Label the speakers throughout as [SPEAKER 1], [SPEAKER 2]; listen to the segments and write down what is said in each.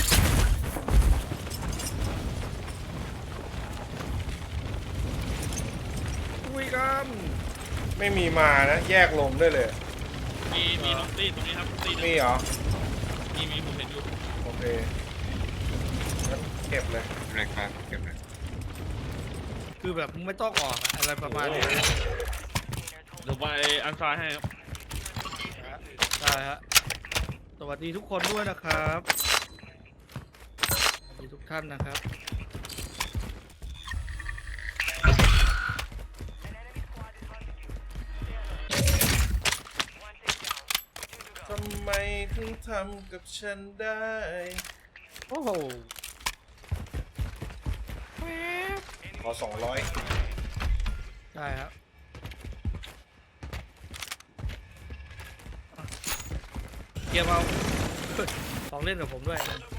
[SPEAKER 1] คุยกันไม่มีมานะแยกลมได้เลย
[SPEAKER 2] มีน้องตี้ตรงนี้ครับตี้
[SPEAKER 1] มีเหรอ
[SPEAKER 2] มีผมเห็นอยู่
[SPEAKER 1] โอเคงั้นเก็บเลย
[SPEAKER 3] อะไรครับเก็บเลย
[SPEAKER 4] คือแบบไม่ต้องออกอะไรประมาณนี้
[SPEAKER 2] เดี๋ยวไปอันซ้ายให้ครับ
[SPEAKER 4] ใช่ฮะสวัสดีทุกคนด้วยนะครับสวัสดีทุกท่านนะครับ
[SPEAKER 1] ทำไมถึงทำกับฉันได้
[SPEAKER 4] โอ้โห
[SPEAKER 1] ขอ200
[SPEAKER 4] ได้ครับเกียร์เอาของเล่นกับผมด้วย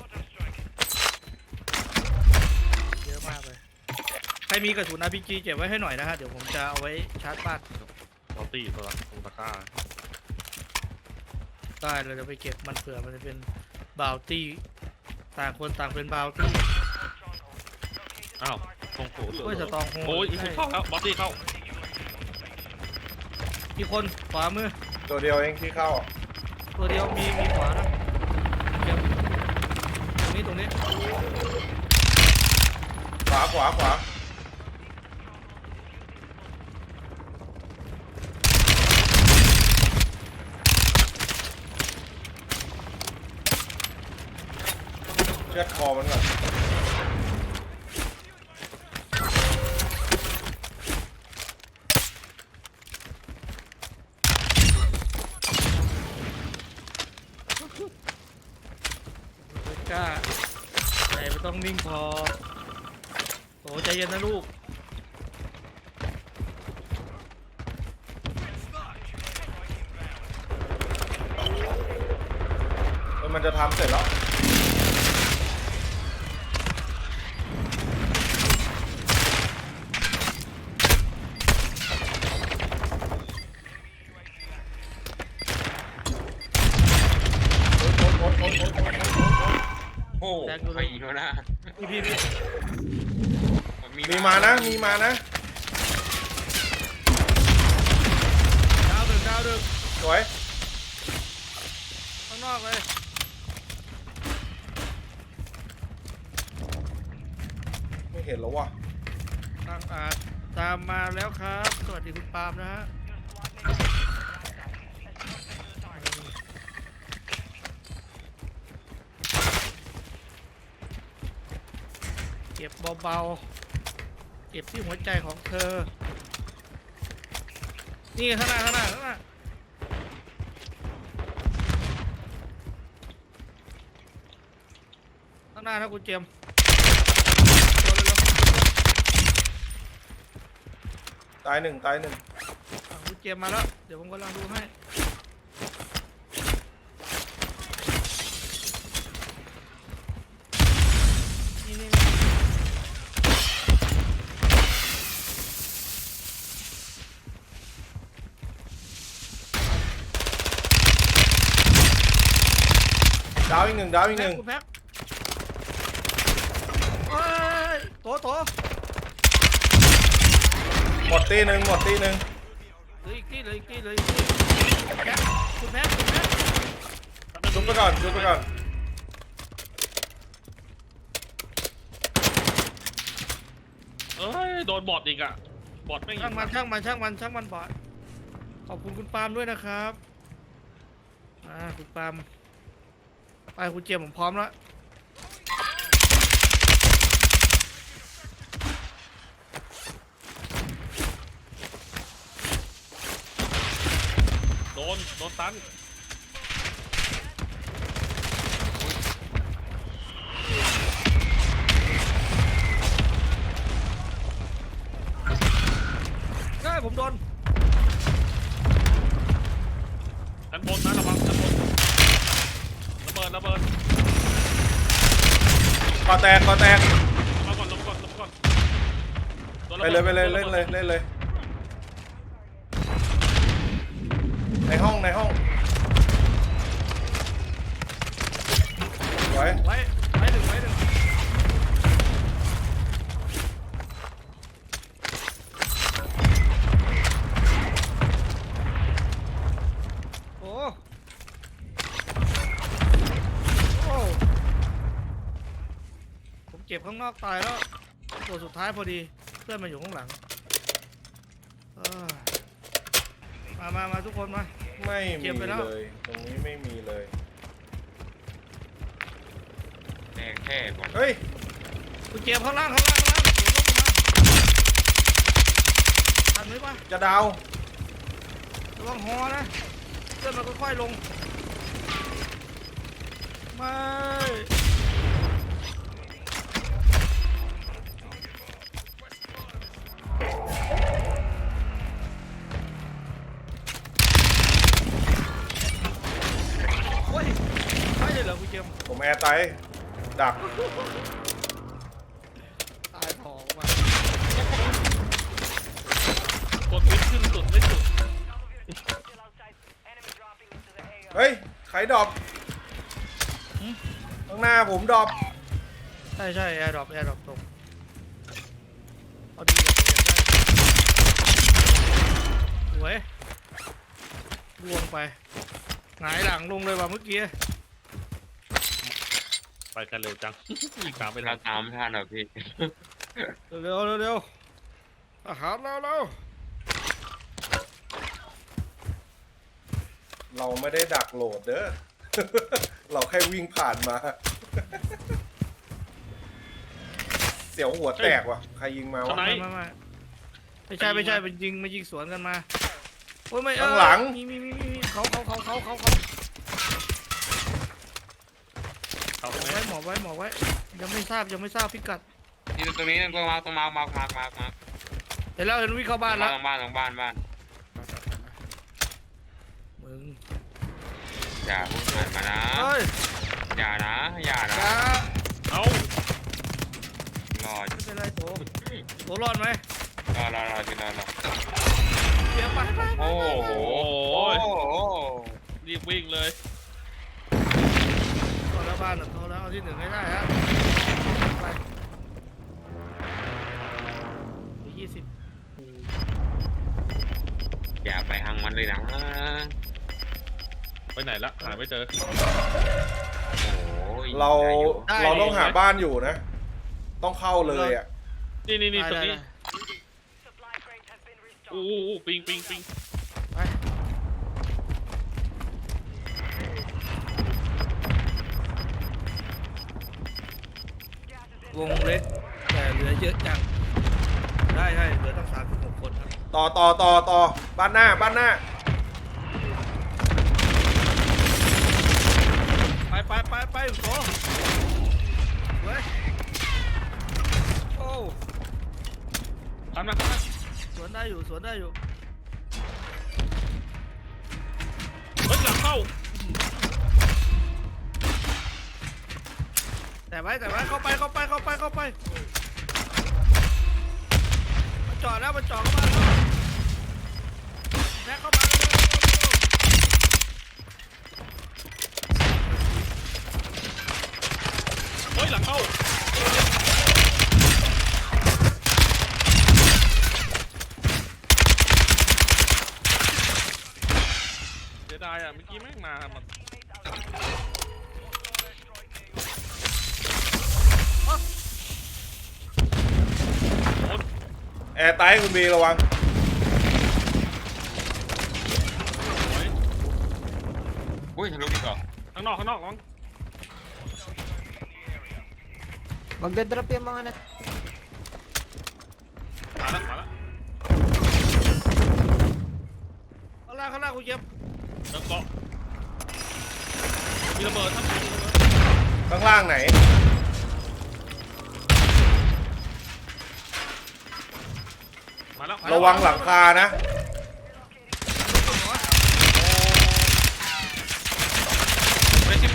[SPEAKER 4] เยอะมากเลยใครมีกระสุน RPG เก็บไว้ให้หน่อยนะฮะเดี๋ยวผมจะเอาไว้ชาร์จบ้าน
[SPEAKER 2] เราตี้ตัวละตรงตะกร้า
[SPEAKER 4] ได้เราจะไปเก็บมันเผื่อมันจะเป็นบาวตี้ต่างคนต่างเป็นบาวตี้
[SPEAKER 2] อ้าวตรงโผล่
[SPEAKER 4] โอ้ยสตอง
[SPEAKER 2] โอ้ยอีกคนเข้าแล้วบอสตี้เข้า
[SPEAKER 4] มีคนขวามือ
[SPEAKER 1] ตัวเดียวเองที่เข้า
[SPEAKER 4] ตัวเดียวมีขวานะตรงนี้
[SPEAKER 1] ขวาเชือดคอมันก่อน
[SPEAKER 4] กล้าใจไม่ต้องนิ่งพอโอ้ใจเย็นนะลูก
[SPEAKER 1] มันจะทำเสร็จแล้ว
[SPEAKER 3] โอ้ใครอีกแล้วนะ
[SPEAKER 4] พี่
[SPEAKER 1] มีมานะ
[SPEAKER 4] ดาวดึง
[SPEAKER 1] สวย
[SPEAKER 4] ข้างนอกเลย
[SPEAKER 1] ไม่เห็นแล้วว่ะ
[SPEAKER 4] ตามมาแล้วครับสวัสดีคุณปาล์มนะฮะเก็บเบาๆเก็บที่หัวใจของเธอนี่ข้างหน้าข้างหน้านะคุณเจม
[SPEAKER 1] ตายหนึ่ง
[SPEAKER 4] คุณเจมมาแล้วเดี๋ยวผมกำลังดูให้นี่
[SPEAKER 1] ดาวอีกหนึ่ง
[SPEAKER 4] คุณแพ็คโต
[SPEAKER 1] หมดตีหนึ่ง
[SPEAKER 4] เหลืออีกที่แพ็คคุณแพ็ค
[SPEAKER 1] ชุบไปก่อน
[SPEAKER 2] เอ้ยโดนบอทอีกอ่ะบอทไม่
[SPEAKER 4] ช่างมันบอทขอบคุณคุณปาล์มด้วยนะครับคุณปาล์มไปคุณเจมผมพร้อมแล้ว
[SPEAKER 2] โดนตัน
[SPEAKER 4] ได้ผมโดน
[SPEAKER 2] ชั้นบนนะระวังชั้นบนระเบิด
[SPEAKER 1] ก่อแตก
[SPEAKER 2] มาก่อน
[SPEAKER 1] ไปเลยเล่นเลยในห้องไว้
[SPEAKER 4] เจ็บข้างนอกตายแล้วตัวสุดท้ายพอดีเพื่อนมาอยู่ข้างหลังเออมาทุกคนมา
[SPEAKER 1] ไม่
[SPEAKER 4] เก็
[SPEAKER 1] มี
[SPEAKER 4] บไปแล้ว
[SPEAKER 1] เลยตรงนี้ไม่มีเลย
[SPEAKER 3] แม่งแค่ก่อน
[SPEAKER 1] เฮ้ย
[SPEAKER 4] คุณเจ็บข้างล่างเดี๋ยวลงมาทันไหมปะ
[SPEAKER 1] จะดาว
[SPEAKER 4] ระวังหอนะเพื่อนมันค่อยๆลงไม่โอ้ยไม่เลยเหรอคุณเจมส์
[SPEAKER 1] ผมแอร์ไตดัก
[SPEAKER 4] ตายทองว่ะ
[SPEAKER 2] กดวิทขึ้นสุดไม่สุด
[SPEAKER 1] เฮ้ยใครดรอปข้างหน้าผมดรอป
[SPEAKER 4] ใช่แอร์ดรอปตรงเอาดีกว่าผมอยากได้สวยลวงไปหงายหลังลงเลยว่ะเมื่อกี้
[SPEAKER 2] ไปกันเร็วจังอีกตามไป
[SPEAKER 3] เรา
[SPEAKER 2] ทัน
[SPEAKER 3] ตามไม่ทันเหรอพี่
[SPEAKER 4] เร็วอาหารแล้ว
[SPEAKER 1] เราไม่ได้ดักโหลดเด้อ เราแค่วิ่งผ่านมา เสียวหัวแตกว่ะใครยิงมาวะ
[SPEAKER 4] ไม่ใช่มันยิงสวนกันมาโอ้ยไม่
[SPEAKER 1] ข้างหลัง
[SPEAKER 4] มีเขา
[SPEAKER 2] เอาไปไหม
[SPEAKER 4] หมอบไว้ยังไม่ทราบพิกัด
[SPEAKER 3] นี่ตรงนี้ตรงมา
[SPEAKER 4] เห็นวิ่งเข้าบ้านแล้ว
[SPEAKER 3] ตรงบ้าน
[SPEAKER 4] มึง
[SPEAKER 3] อย่าพูดผ่านมานะ
[SPEAKER 4] เฮ้ย
[SPEAKER 3] อย่านะ
[SPEAKER 4] อย่า
[SPEAKER 2] เอา
[SPEAKER 3] รอ
[SPEAKER 4] ไม่เป็นไรโถรอดไหม
[SPEAKER 3] รอจิรอ
[SPEAKER 4] เดี๋ยวไป
[SPEAKER 3] โอ้โห
[SPEAKER 2] โอ้ยรีบวิ่งเลย
[SPEAKER 4] เข้าแล้วบ้านเข้าแล้วเอาที่หนึ่งให้ได้ฮะไป20
[SPEAKER 3] อย่าไปทางมันเลยนะ
[SPEAKER 2] ไปไหนละหาไม่เจอ
[SPEAKER 3] โอ้ย
[SPEAKER 1] เราต้องหาบ้านอยู่นะ ต้องเข้าเลยอ่ะ
[SPEAKER 2] นี่ตรงนี้
[SPEAKER 4] ได้
[SPEAKER 2] อู้ปิง
[SPEAKER 4] ไปวงเล็กแต่เหลือเยอะจังได้เหลือตั้ง36คนครับ
[SPEAKER 1] ต่อบ้านหน้า
[SPEAKER 4] ไปโถเว้ยโอ้
[SPEAKER 2] ทันมา
[SPEAKER 4] สวนได้อยู่
[SPEAKER 2] เฮ้ยหลังเข้า
[SPEAKER 4] แต่ไว้เข้าไปมันจอดเข้ามาแล้วแม็กเข้ามาแล้ว
[SPEAKER 2] เฮ้ยหลังเข้าเสียดายอ่ะเมื่อกี้แม่งมามัน
[SPEAKER 1] แอร์ไตคุณบีระวัง
[SPEAKER 3] อุ้ยทะลุอีกเหรอ
[SPEAKER 2] ข้างนอกระวัง
[SPEAKER 5] Magdadrop yung mga nat...
[SPEAKER 2] มาแล้ว
[SPEAKER 4] ข้างล่างคุณเย็บ
[SPEAKER 2] แล้วก็มีระเบิดทั้ง
[SPEAKER 1] ข้างล่างไหน
[SPEAKER 2] มาแล้ว
[SPEAKER 1] ระวังหลังคานะ
[SPEAKER 2] Pressing.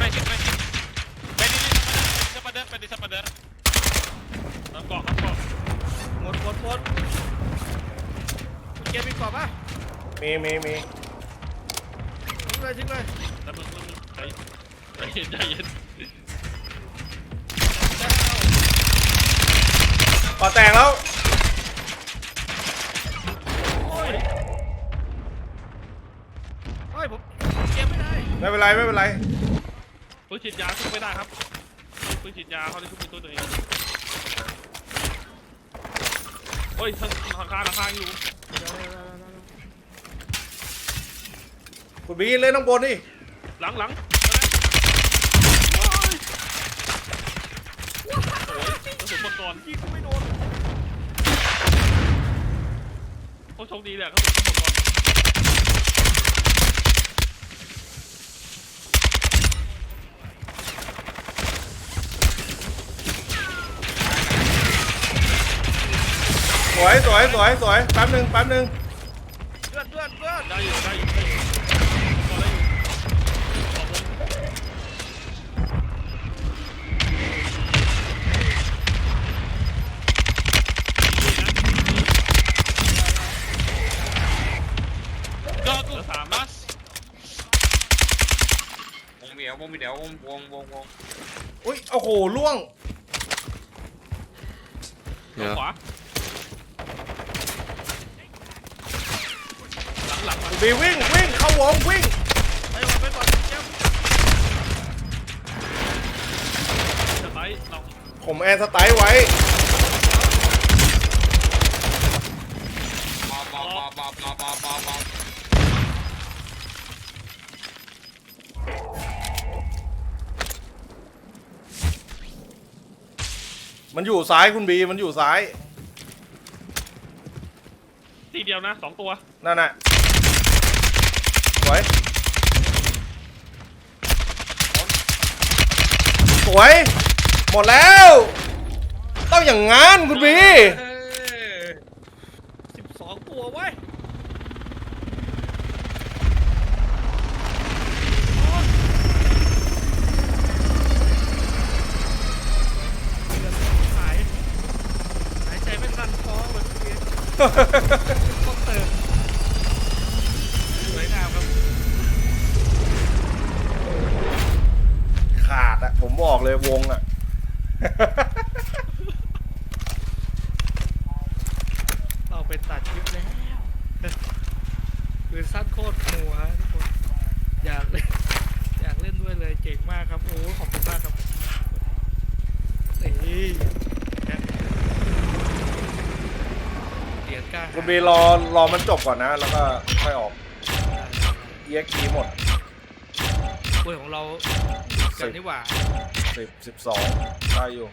[SPEAKER 2] Pwede sa pader. Ang got.
[SPEAKER 4] หมดคุณเย็บมีกรอบป่ะ
[SPEAKER 1] มี
[SPEAKER 4] ทิ้งเลย
[SPEAKER 2] แต่มึงใจเย็น
[SPEAKER 1] ก่อแตกแล้ว
[SPEAKER 4] โอ้ยผมเก็บไม่ได้
[SPEAKER 1] ไม่เป็นไร
[SPEAKER 2] ปืนฉีดยาขึ้นไม่ได้ครับปืนฉีดยาเขาได้ขึ้นเป็นตัวเองโอ้ยราคาอยู่
[SPEAKER 1] คุณบีเล่นข้างบนนี่
[SPEAKER 2] หลังโอ้ยกระสุนหมดก่อน
[SPEAKER 4] ยิงกูไม่โดน
[SPEAKER 2] โอ้โชคดีแหละกระสุนหมดก่อน
[SPEAKER 1] สวยแป๊บหนึ่ง
[SPEAKER 4] เลือด
[SPEAKER 2] ได้อยู่พอได้อยู่ขอบคุณก็เหลือ3นัด
[SPEAKER 3] วงเดียววง
[SPEAKER 1] อุ้ยโอ้โหล่วง
[SPEAKER 2] ขวาหลัง
[SPEAKER 1] คุณบีวิ่งเข้าวงวิ่ง
[SPEAKER 4] ไปก่อนเจม
[SPEAKER 2] จะไปเรา
[SPEAKER 1] ผมแอนสไตล์ไว้
[SPEAKER 3] ปอ
[SPEAKER 1] มันอยู่ซ้ายคุณบีมันอยู่ซ้าย
[SPEAKER 2] ทีเดียวนะ2ตัว
[SPEAKER 1] นั่นน่ะสวยหมดแล้วต้องอย่างงั้นคุณบี
[SPEAKER 4] 12 ตัวไว้ยหายใจไม่ทันท้องเลยพี่ต้องเติมสวยงามครับ
[SPEAKER 1] ขาดอะผมบอกเลยวงอะ
[SPEAKER 4] เราไปตัดคลิปแล้วคือสั้นโคตรหัวทุกคนอยากเล่นด้วยเลยเก่งมากครับโอ้ขอบคุณมากครับนี่เหรียญกล้า
[SPEAKER 1] คุณบีรอมันจบก่อนนะ แล้วก็ค่อยออก EXP หมด
[SPEAKER 4] คุยของเรากันนี่หว่า
[SPEAKER 1] 12ได้อยู่